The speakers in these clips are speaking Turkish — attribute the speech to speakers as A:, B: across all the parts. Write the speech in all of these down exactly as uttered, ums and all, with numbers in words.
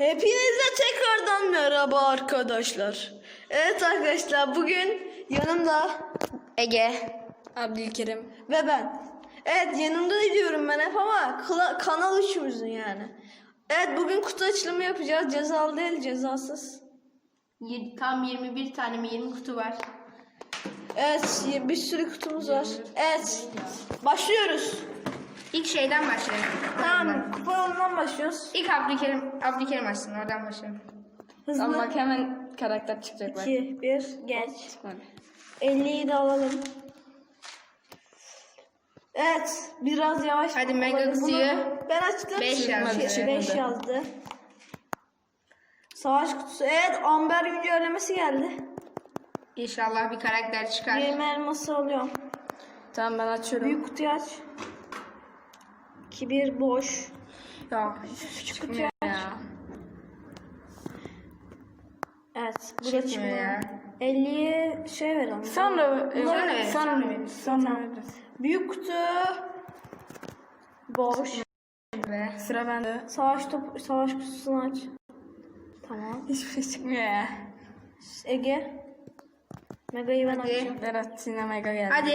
A: Hepinize tekrardan merhaba arkadaşlar. Evet arkadaşlar, bugün yanımda
B: Ege,
C: Abdülkerim
A: ve ben. Evet, yanımda diyorum ben hep ama kla- kanal üçümüzün yani. Evet, bugün kutu açılımı yapacağız. Cezalı değil, cezasız.
B: tam yirmi bir tane mi yirmi kutu var.
A: Evet, bir sürü kutumuz var. Evet, başlıyoruz.
B: İlk şeyden başlayalım.
A: Tamam, kupa yolundan başlıyoruz.
B: İlk Abdülkerim, Abdülkerim açsın, oradan başlayalım.
A: Hızlı.
C: Ama bak hemen karakter çıkacak bak.
A: iki, bir, geç.
C: Çıkmadı.
A: elliyi de alalım. Evet, biraz yavaş.
B: Hadi Mega
A: olabilir. Bunu
B: kutuyu.
A: ben açtım.
B: Beş yazdı.
A: beş
C: Evet.
A: yazdı. Savaş kutusu. Evet, Amber güncellemesi geldi.
B: İnşallah bir karakter çıkar.
A: yirmi elması alıyorum.
C: Tamam ben açıyorum.
A: Büyük kutuyu aç. iki bir boş.
C: Ya
A: Küçük kutuyu aç.
C: ya.
A: Evet, bu da
B: Çıkmıyor
A: çıkmıyor.
B: ya.
A: elliye şey verelim.
C: Sonra
A: Bunları
C: sonra
B: veririz,
C: sonra
B: sonra veririz.
C: sonra
A: Tamam.
C: veririz.
A: Büyük kutu boş.
B: Be.
C: Sıra bende.
A: Savaş top savaş kutusunu aç. Tamam.
C: Hiçbir şey çıkmıyor ya.
A: Ege. Mega'yı ben
B: Hadi.
A: açacağım.
C: Berat yine mega geldi.
B: Hadi.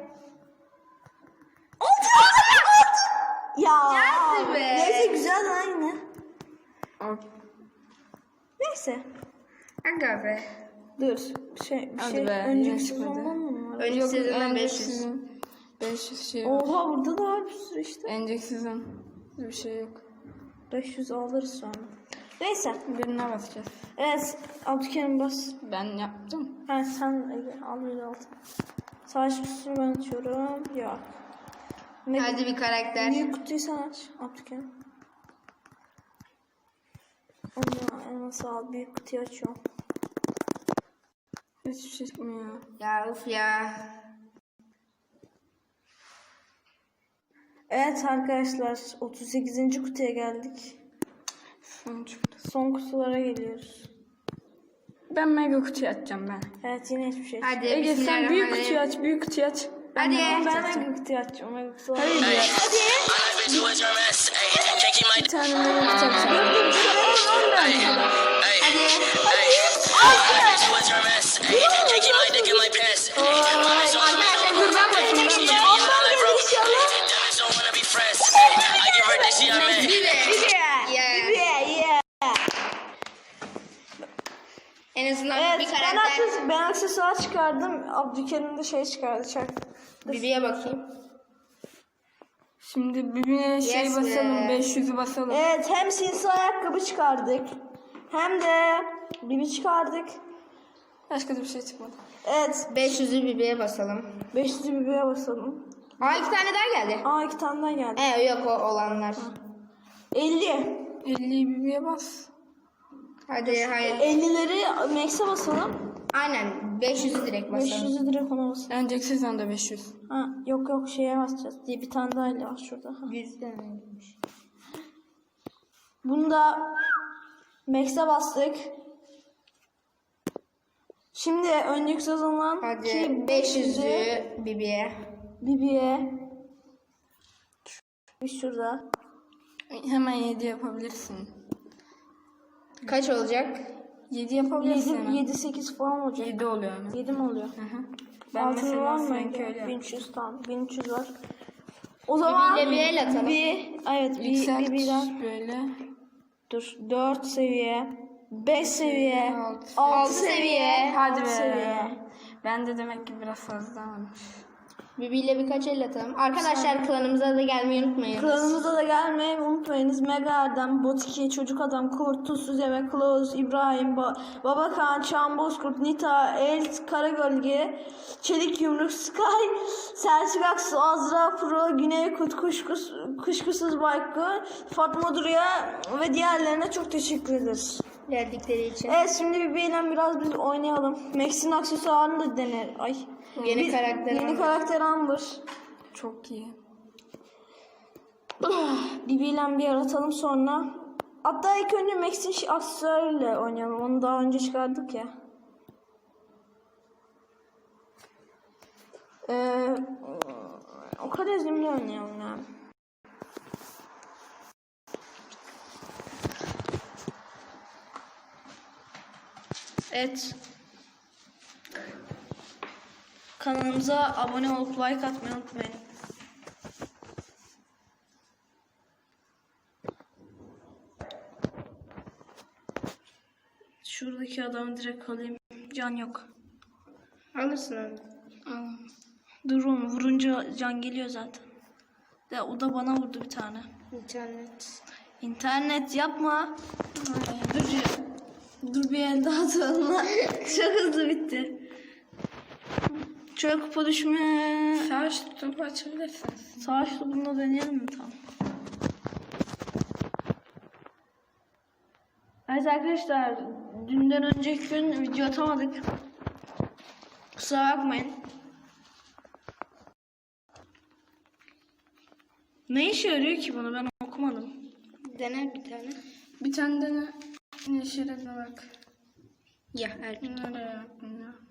A: Ya.
B: Geldi be.
A: Neyse, güzel aynı.
C: O-
A: Neyse.
B: Aga be.
A: Dur. Şey, bir
C: Hadi
A: şey.
C: be,
A: Önceki
C: yine çıkmadı.
A: sezondan mı var?
B: Önceki sezondan
C: en
B: beş yüz.
C: sizin beş yüz şey var.
A: Oha, burada da var bir sürü işte.
C: Önceki sezon bir şey yok.
A: beş yüz alırız sonra. Neyse.
C: Birine basacağız.
A: Evet. Abdülkerim bas.
C: Ben yaptım.
A: Ha, sen Ege al yüz altı. Savaş kutusunu ben açıyorum. Yok. Ne-
B: Hadi bir karakter.
A: Büyük kutuyu sen aç. Abdülkerim. Allah elması al. Büyük kutuyu açıyorum.
C: Hiçbir şey çıkmıyor.
B: Ya uf ya.
A: Evet arkadaşlar, otuz sekizinci kutuya geldik.
C: Son çıktı.
A: Son kutulara geliyoruz.
C: Ben mega kutuyu açacağım ben.
A: Evet, yine hiçbir şey.
B: Hadi
C: Ege sen büyük
B: bismillahirrahmanirrahim.
C: kutuyu aç, büyük kutuyu aç.
B: Hadi.
A: Ben mega kutuyu açacağım. Mega kutuyu
C: Hayır ya.
A: Hadi.
C: Bir tane mega kutu açacağım.
A: Dur dur, bir şey olmaz ben.
B: Arkadaşlar dur ben bakayım. Bir de. Yeah.
A: Yeah, yeah.
B: En azından
A: Evet,
B: bir
A: ben,
B: karakter.
A: akses, ben aksesuar çıkardım. Abdülkerim de şey çıkardı. Çak.
B: Bibi'ye bakayım.
C: Şimdi birbirine şey
B: Yes
C: basalım,
B: be.
C: beş yüzü basalım.
A: Evet, hem sinsi ayakkabı çıkardık. Hem de bibi çıkardık.
C: Başka da bir şey çıkmadı.
A: Evet,
B: beş yüzü Bibi'ye basalım.
A: beş yüzü bibiye basalım.
B: Aa iki tane daha geldi.
A: Aa, iki tane daha geldi.
B: Ee yok o olanlar.
A: elli.
C: elliyi birbirine bas.
B: Hadi hayır.
A: ellileri Max'e basalım.
B: Aynen beş yüzü direkt
A: beş
B: basalım.
A: yüzü direkt ona basalım.
C: Önceki sezonda beş yüz.
A: Ha, yok yok, şeye basacağız diye bir tane daha eli var şurada. Ha.
B: yüz taneymiş.
A: Bunu da Max'e bastık. Şimdi önceki sezondan
B: Hadi beş yüzü Bibi'ye.
A: Bibi'ye. Bir şurada.
C: Hemen yedi yapabilirsin.
B: Kaç olacak?
C: yedi yapabilirsin
A: yedi,
C: hemen.
A: yedi sekiz falan olacak.
C: yedi oluyor hemen.
A: yedi mi oluyor?
C: Hı hı. Ben
A: Altını
C: mesela
A: var mı?
C: seninki öyle
A: bin
C: yaptım.
A: üç yüz tamam. bin üç yüz var. O zaman
B: Bibi'yle bir el atalım.
A: bir, evet bir,
C: Yükselt
A: bir birden.
C: böyle.
A: Dur, dört seviye, beş seviye,
C: Altı.
A: altı
B: Altı
A: seviye,
B: seviye.
C: Hadi
A: altı
C: be.
A: seviye.
C: Ben de demek ki biraz fazla varmış.
B: Bibi'yle birkaç el atalım. Arkadaşlar klanımıza da gelmeyi unutmayın.
A: Klanımıza da gelmeyi unutmayınız. Mega Erdem, Botiki, Çocuk Adam, Kurt, Tuzsuz Yemek, Kılavuz, İbrahim, ba Babakan, Çağan Bozkurt, Nita, El, Karagölge, Çelik Yumruk, Sky, Selçuk Aksu, Azra Pro, Güney Kut, Kuşkus, Kuşkusuz Baykı, Fatma Duru'ya ve diğerlerine çok teşekkür ederiz.
B: Geldikleri için.
A: Evet, şimdi Bibi'yle biraz biz oynayalım. Max'in aksesuarını da dener. Ay.
B: Yeni
A: Bir-
B: karakter
A: Yeni
B: Amber.
A: karakter Amber.
C: Çok iyi.
A: Bibi'yle bir yaratalım sonra. Hatta ilk önce Max'in şi- aksesuarıyla oynayalım. Onu daha önce çıkardık ya. Ee, o kadar zimli oynayalım yani. Evet. Kanalımıza abone olup like atmayı unutmayın. Şuradaki adamı direkt alayım. Can yok.
B: Alırsın onu.
C: Al.
A: Dur oğlum, vurunca can geliyor zaten. De o da bana vurdu bir tane.
B: İnternet.
A: İnternet yapma. Dur ya. Dur bir el daha atalım. Çok hızlı bitti. Şöyle kupa düşme.
C: Savaş topu açabilirsin.
A: Savaş topunda deneyelim mi? Tamam. Evet arkadaşlar, dünden önceki gün video atamadık. Kusura bakmayın. Ne işe yarıyor ki bunu, ben okumadım.
B: Dene bir tane.
C: Bir tane de ne? Yeşile de bak.
B: Ya Erkin.
C: Nereye yaptın ya?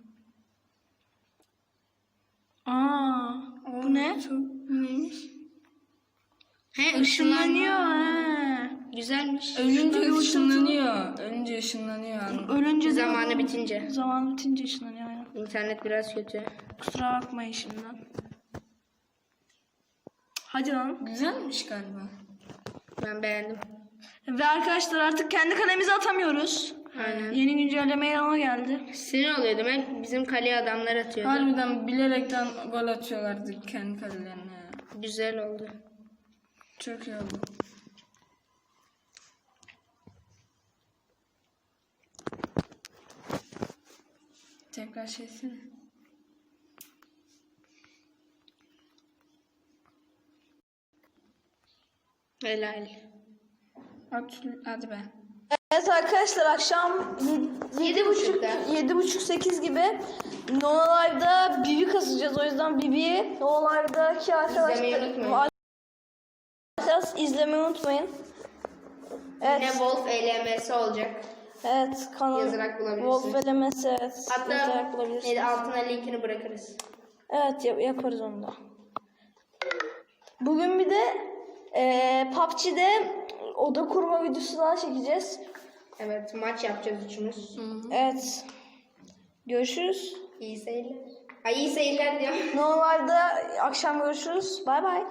A: Aa, bu ne?
C: Çok neymiş?
B: He
A: Işınlanıyor he.
B: Güzelmiş.
C: Ölünce ışınlanıyor. Ölünce ışınlanıyor.
A: Ölünce de
B: Zamanı bitince.
A: zaman bitince ışınlanıyor aynen.
B: İnternet biraz kötü.
A: Kusura bakmayın şimdiden. Hadi lan.
C: Güzelmiş galiba.
B: Ben beğendim.
A: Ve arkadaşlar artık kendi kalemizi atamıyoruz.
B: Aynen.
A: Yeni güncelleme yanıma geldi.
B: Sinir oluyor demek. Bizim kaleye adamlar atıyordu.
C: Harbiden bilerekten gol atıyorlardı kendi kalelerine.
B: Güzel oldu.
C: Çok iyi oldu. Tekrar şeysene.
B: Helal.
C: At, hadi be.
A: Evet arkadaşlar, akşam
B: Yedi buçukta.
A: yedi buçuk sekiz gibi Nona Live'da Bibi kasacağız. O yüzden Bibi'yi Nona Live'daki
B: İzlemeyi
A: arkadaşlar
B: unutmayın.
A: arkadaşlar izlemeyi unutmayın. Evet.
B: Yine Wolf E L M S olacak.
A: Evet, kanal
B: Yazarak bulabilirsiniz.
A: Wolf L M S, evet.
B: Hatta
A: yazarak bulabilirsiniz.
B: e, altına linkini bırakırız.
A: Evet, yap- yaparız onu da. Bugün bir de e, P U B G'de oda kurma videosu daha çekeceğiz.
B: Evet, maç yapacağız üçümüz.
A: Evet. Görüşürüz.
B: İyi seyirler. Ay iyi seyirler diyorum.
A: Normalde akşam görüşürüz. Bay bay.